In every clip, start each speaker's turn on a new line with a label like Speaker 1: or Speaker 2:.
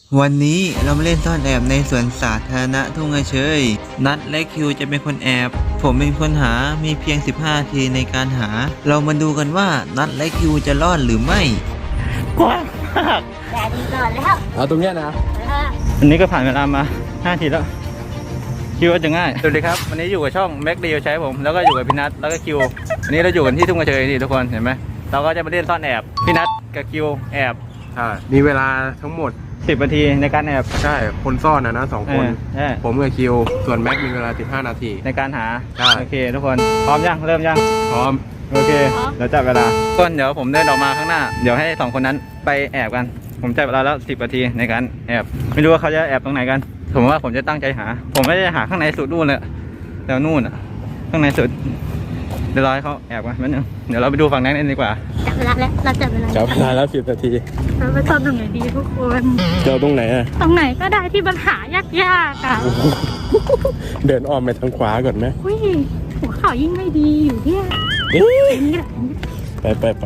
Speaker 1: วันนี้เรามาเล่นซ่อนแอบในสวนสาธารณะทุ่งเฉยนัดและคิวจะเป็นคนแอบ ผมเป็นคนหา มีเพียง15 นาทีในการหา เรามาดูกันว่านัดและคิวจะรอดหรือไม่กว้างมาก
Speaker 2: แต่ดีก่อนแล้ว
Speaker 3: เอาตรงเนี้ยนะ
Speaker 1: อันนี้ก็ผ่านเวลามา5 นาทีแล้วคิวว่าจะง่ายสวัสดีครับวันนี้อยู่กับช่องแม็กเดียวใช้ผมแล้วก็อยู่กับพี่นัทแล้วก็คิววันนี้เราอยู่กันที่ทุ่งเฉยนี่ทุกคนเห็นไหมเราก็จะมาเล่นซ่อนแอบพี่นัทกับคิวแอบ
Speaker 3: ใช่มีเวลาทั้งหมด
Speaker 1: 10 นาทีในการแอบ
Speaker 3: ใช่คนซ่อนนะ2 คน
Speaker 1: ใช่
Speaker 3: ผมกับคิวส่วนแม็กมีเวลา15 นาที
Speaker 1: ในการหา
Speaker 3: ใช่
Speaker 1: โอเคทุกคนพร้อมยังเริ่มยัง
Speaker 3: พร้อม
Speaker 1: โอเคเดี๋ยวจับเวลาต้นเดี๋ยวผมเดินออกมาข้างหน้าเดี๋ยวให้2 คนนั้นไปแอบกันผมจับเวลาแล้ว10 นาทีในการแอบไม่รู้ว่าเขาจะแอบตรงไหนกันผมว่าผมจะตั้งใจหาผมไม่ได้หาข้างในสุดนู่นเลยแต่นู่นอ่ะข้างในสุดเดี๋ยวรอให้เขาแอบกันแป๊บนึงเดี๋ยวเราไปดูฝั่งนั้นกันดีกว่า
Speaker 2: จับเวลาแล้วเราจับเวลา
Speaker 3: จับเวลาแล้ว10 นาที
Speaker 2: เราไปซ่อนตรงไหนดีทุกคน
Speaker 3: เจอตรงไหนอ่ะ
Speaker 2: ตรงไหนก็ได้ที่มันหายากๆอ่ะ
Speaker 3: เดินอ้อมไปทางขวาก่อนไหม
Speaker 2: อุ้ยหัวเข่ายิ่งไม่ดีอยู่เนี่ยนี่แหละ
Speaker 3: ไป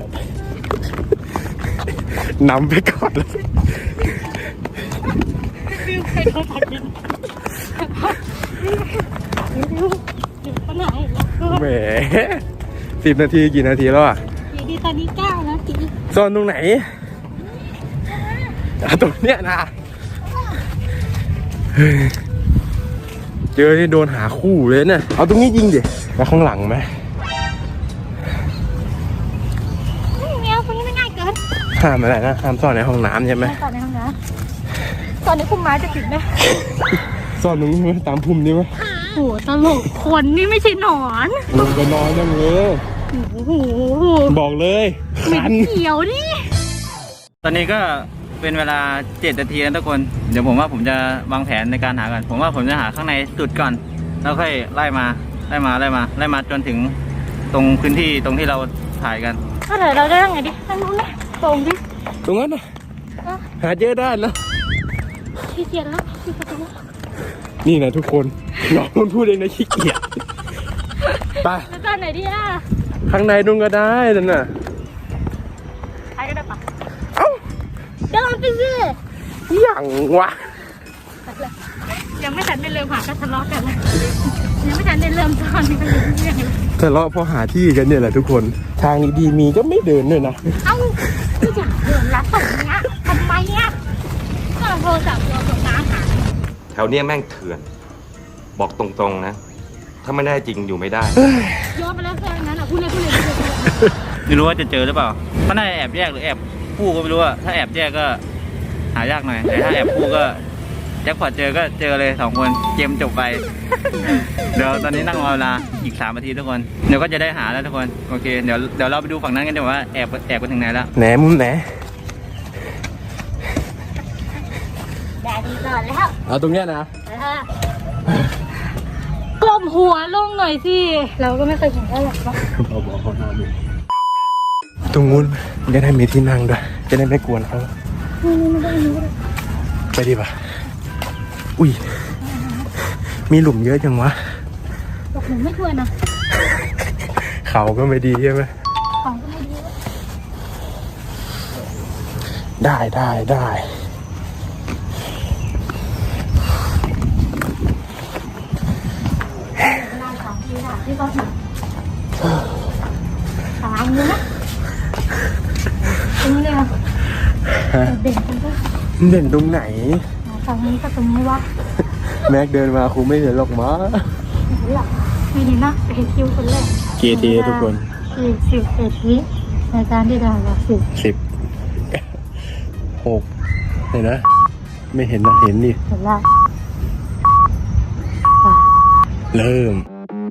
Speaker 3: นำไปก่อนเลย
Speaker 2: ฟิวใครเขาตัดดินอยู่ตรงไหนแล้วก็
Speaker 3: แหม10 นาทีกี่นาทีแล้วอ่ะ
Speaker 2: อยู่ดีตอนนี้9 นาที
Speaker 3: ซ่อนตรงไหนเอาตรงเนี้ยนะเฮ้ยเจอที่โดนหาคู่เลยเนี่ยเอาตรงนี้ยิงดิแล้วข้างหลังไหม
Speaker 2: แมวคนนี้ไม่ง่ายเกิน
Speaker 3: ห้ามอะไรนะห้ามซ่อนในห้องน้ำใช่ไหม
Speaker 2: ตอนในห้องน้ำตอนนี้คุณม้าจะติดไหม
Speaker 3: ซ่อนตรงนี้ไหมตามพุ่มนี้ไหม
Speaker 2: โหตลกคนนี่ไม่ใช่หนอน
Speaker 3: ลงไปนอนยังเลย
Speaker 2: โอ้โห
Speaker 3: บอกเลยคัน
Speaker 2: เขียวดิ
Speaker 1: ตอนนี้ก็เป็นเวลา7 นาทีแล้วทุกคนเดี๋ยวผมว่าผมจะวางแผนในการหากันผมว่าผมจะหาข้างในสุดก่อนแล้วค่อยไล่มาจนถึงตรงพื้นที่ตรงที่เราถ่ายกัน
Speaker 2: ก็เดี๋ยวเราได้ยังไงดิทางนู้นนะตรงดิ
Speaker 3: ตรงนั้นนะหาเจอได้แล้ว
Speaker 2: ขี้เกียจแล้วขี้เกียจแล้ว
Speaker 3: นี่นะทุกคนน้องมันพูดเองนะขี้เกียจไป
Speaker 2: แล้วตอนไหนดิอ่ะ
Speaker 3: ข้างในนุ่งก็ได้นั่นน่ะ
Speaker 2: ใครก็ได้ปะ
Speaker 3: เอ้า
Speaker 2: เดินไปสิ
Speaker 3: อย่างวะ
Speaker 2: ยังไม่ทันได้เริ่มหาก็ทะเลาะกันแล้วยังไม่ทันได้เริ่มตอนนี้ก็ยังเรื่องอยู่
Speaker 3: ทะเลาะเพราะหาที่กันเนี่ยแหละทุกคนทางดีๆมีก็ไม่เดินด้วยนะ
Speaker 2: เอ้าไม่อยากเดินละตรงเนี้ยทำไมอ่ะก็โทรศัพท์เราส่งน้ำหา
Speaker 4: แถวเนี้ยแม่งเถื่อน บอกตรงๆนะ ถ้าไม่ได้จริงอยู่ไม่ได้
Speaker 2: โยนไปแล้วแค่นั้นอ่ะพูดเลย
Speaker 1: ไม่รู้ว่าจะเจอหรือเปล่าเขาน่าจะแอบแยกหรือแอบคู่ก็ไม่รู้อะถ้าแอบแยกก็หายากหน่อยแต่ถ้าแอบคู่ก็แจ็คพอตเจอก็เจอเลย2 คนเกมจบไป เดี๋ยวตอนนี้นั่งรอเวลาอีก3 นาทีทุกคนเดี๋ยวก็จะได้หาแล้วทุกคนโอเคเดี๋ยวเราไปดูฝั่งนั้นกันดีกว่าแอบไปถึงไหนแล้ว
Speaker 3: แหนมุมไหน
Speaker 2: แดดดีก่อนแล้ว
Speaker 3: เอาตรงเนี้ยนะ
Speaker 2: กลมหัวลงหน่อยสิเราก็ไม่เคยเห็นได้หรอกว่า
Speaker 3: บอกเขาหน้าดูตรงนู้นจะได้มีที่นั่งด้วยจะได้ไม่กวนเขา
Speaker 2: นี่ไม่ได้รู้เลย
Speaker 3: ไปดีป่ะอุ้ยมีหลุมเยอะจังวะ
Speaker 2: บอกหนูไม่ควรนะ
Speaker 3: เขาก็ไม่ดีใช่ไหม
Speaker 2: ของก็ไม่ดี
Speaker 3: ได้
Speaker 2: เวลา2 ทีค่ะที่เขาถึงตามเลยนะตรงนี้เลยเด่นตรงนี้
Speaker 3: เด่นตรงไหน
Speaker 2: ตรงนี้ก็ตรงนี้วะ
Speaker 3: แม็กเดินมาครูไม่เห็นหรอกมั้ง
Speaker 2: หลับไม่ดีนะเห็นคิวคนแรก
Speaker 3: เกทีทุกคน
Speaker 2: 10 วิในการที่เรา10
Speaker 3: 6เห็นนะไม่เห็นนะเห็นนี่
Speaker 2: เห็นละ
Speaker 3: เริ่ม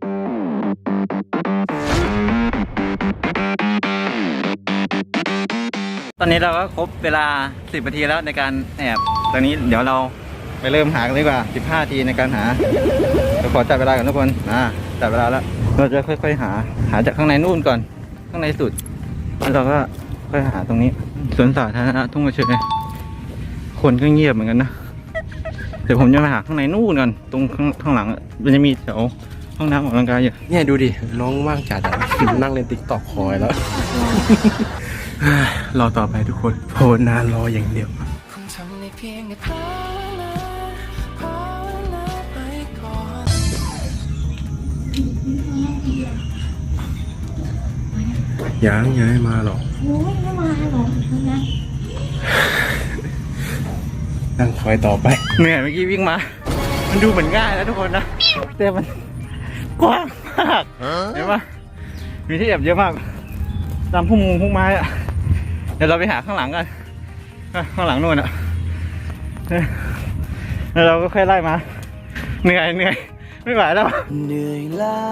Speaker 1: ตอนนี้เราก็ครบเวลา10 นาทีแล้วในการแอบตอนนี้เดี๋ยวเราไปเริ่มหากันดีกว่า15 นาทีในการหาเดี๋ยวขอจับเวลาก่อนทุกคนจับเวลาแล้วเราจะค่อยๆหาจากข้างในนู่นก่อนข้างในสุดแล้วเราก็ค่อยหาตรงนี้สวนสาธารณะทุ่งเฉยคนก็เงียบเหมือนกันนะเดี๋ยวผมจะไปหาข้างในนู่นก่อนตรงข้างหลังมันจะมีแถวห้องน้ำออกกำลังกายอยู่
Speaker 3: เนี่ยดูดิน้องว่างจัดอะนั่งเล่นติ๊กต็อกคอยแล้ว รอต่อไปทุกคนโหนานรออย่างเดียว
Speaker 5: คงทำในเพียงแต่ภาวนาไปก่อน
Speaker 3: ยังไม่มาหรอก
Speaker 2: โอ้ยไม่มาหรอกนะ
Speaker 3: นั่งคอยต่อไป
Speaker 1: เหนื่อยเมื่อกี้วิ่งมา มันดูเหมือนง่ายนะทุกคนนะแต่มันกว้างมากเห็นปะมีที่แอบเยอะมากตามพุ่มไม้อะเดี๋ยวเราไปหาข้างหลังกันข้างหลังนู่นอะแล้วเราก็ค่อยไล่มาเหนื่อยไม่ไหวแล้ว
Speaker 5: เหนื่อยล้า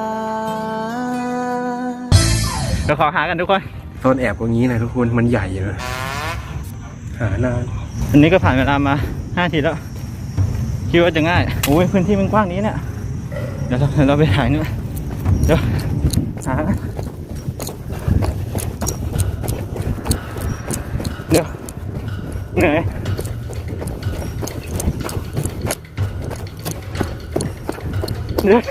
Speaker 1: เดี๋ยวขอหากันทุกคน
Speaker 3: โซนแอบตรงนี้นะทุกคนมันใหญ่เลยหานาน
Speaker 1: อันนี้ก็ผ่านเวลามา5 ทีแล้วคิดว่าจะง่ายโอ้ยพื้นที่มันกว้างนี้เนี่ยเดี๋ยวเราไปถ่ายนู่นเดี๋ยวหากันเดี๋ยวเหนื่อยเดี๋ยว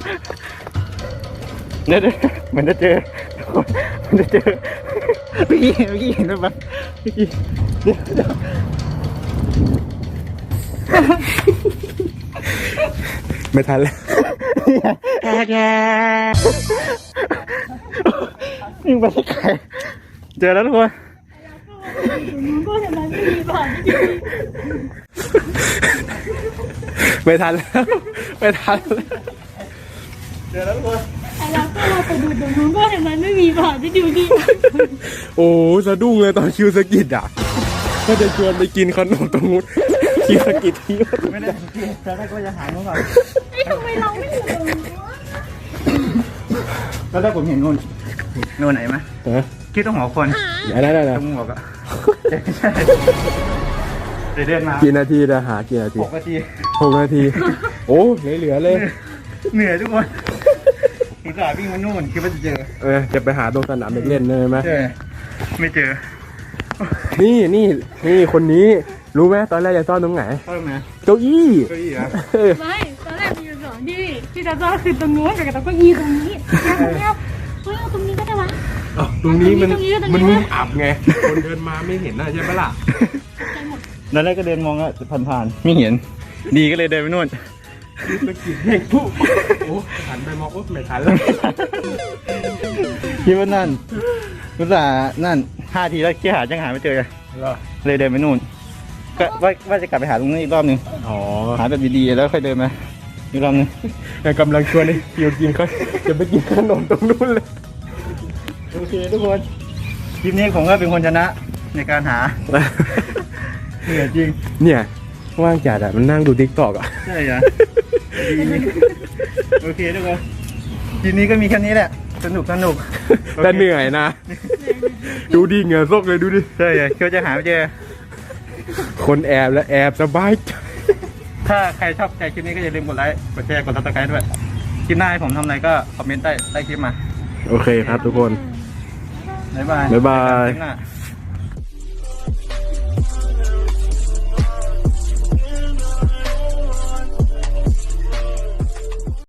Speaker 1: เหมือนจะเจอเมื่อกี้เห็นไหมเมื่อกี้เดี๋ยว
Speaker 3: ไม่ทันแล้ว
Speaker 1: ยิ่งไปไกลเจอแล้วทุกคน
Speaker 2: ก็เห็นมันไม่มีผ่านที่ดี
Speaker 3: ไม่ทันแล้วไม่ทันแล้ว
Speaker 1: เจอแล้วทุกคน
Speaker 2: ไอ้เราก็เราไปดูตรงนู้นก็เห็นมันไม่มีผ่านที่ดีดี
Speaker 3: โอ้สะดุ้งเลยตอนคิวสกิดอ่ะก็จะชวนไปกินขนมตรงนู้นคิวสกิดที่
Speaker 1: ไม่ได้สังเกตตอนแรกก็จะหานู่นก่อน
Speaker 2: ทำไมเราไม่อยู่ตรงนู้น
Speaker 1: ตอนแรกผมเห็นนู่นไหนไหม
Speaker 3: ฮะ
Speaker 1: คิดต้องหัวคน
Speaker 3: ได้
Speaker 1: ตรงหมวกอะใช่เดินมา
Speaker 3: กี่นาทีนะหากี่นาที
Speaker 1: 6 นาที
Speaker 3: 6 นาที โอ้เหลือเลย
Speaker 1: เหนื่อยทุกคนอุตส่าห์วิ่งมานู่นคิดว่าจะเจอ
Speaker 3: จะไปหาตรงสนามเด็กเล่นได้ไหม
Speaker 1: ใช่ไม่เจอ
Speaker 3: นี่คนนี้รู้ไหมตอนแรกจะซ่อนตรงไหน
Speaker 1: เข้ามา
Speaker 3: เก้าอี้
Speaker 1: เก้าอี้อะ
Speaker 2: ไม่ตอนแรกมีอยู่2ที่จะต้องคือตรงนู้นกับตรงนี้ตรงนี้เนี่ยเฮ้ยเอาตรงนี้ก็ได้วะ
Speaker 3: ตรงนี้มัน
Speaker 2: ตรงนี้ตรงนี้
Speaker 3: มันมุมอับไง คนเดินมาไม่เห็นนะใช่ไหมล่ะ
Speaker 1: ตอนแรกก็เดินมองอะผ่านๆไม่เห็น ดีก็เลยเดินไปนู่น
Speaker 3: สกิดเพ่งปุ๊บโอ้หันไปมองปุ๊บไม่ทันแล้ว
Speaker 1: คิดว่านั่นอุตส่าห์นั่น5 ทีแล้วคิดหาจังหาไม่เจอเลยเดินไปนู่นก็ว่าจะกลับไปหาตรงนู้นอีกรอบนึง
Speaker 3: อ๋อ
Speaker 1: หาแบบดีๆแล้วค่อยเดินมาอีกรอบนึง
Speaker 3: แต่กำลังชวนให้คิวกินเขาจะไปกินขนมตรงนู้นเลย
Speaker 1: โอเคทุกคนคลิปนี้ผมก็เป็นคนชนะในการหาเหนื่อยจริง
Speaker 3: เนี่ยว่างจัดอ่ะมันนั่งดูทิกตอกอ่ะ
Speaker 1: ใช่เหรอดีโอเคทุกคนคลิปนี้ก็มีแค่นี้แหละสนุก
Speaker 3: แต่เหนื่อยนะ ดูดิเหงื่อซกเลยดูดิ
Speaker 1: ใช่เหรอเขาจะหาไม่เจอ
Speaker 3: คนแอบและแอบสบายใจ
Speaker 1: ถ้าใครชอบใจคลิปนี้ก็อย่าลืมกดไลค์กดแชร์กดซับสไครต์ด้วยคลิปหน้าให้ผมทำอะไรก็คอมเมนต์ใต้คลิปมา
Speaker 3: โอเคครับทุกคน
Speaker 1: บ๊ายบาย
Speaker 3: บ๊ายบาย
Speaker 1: คลิปหน้า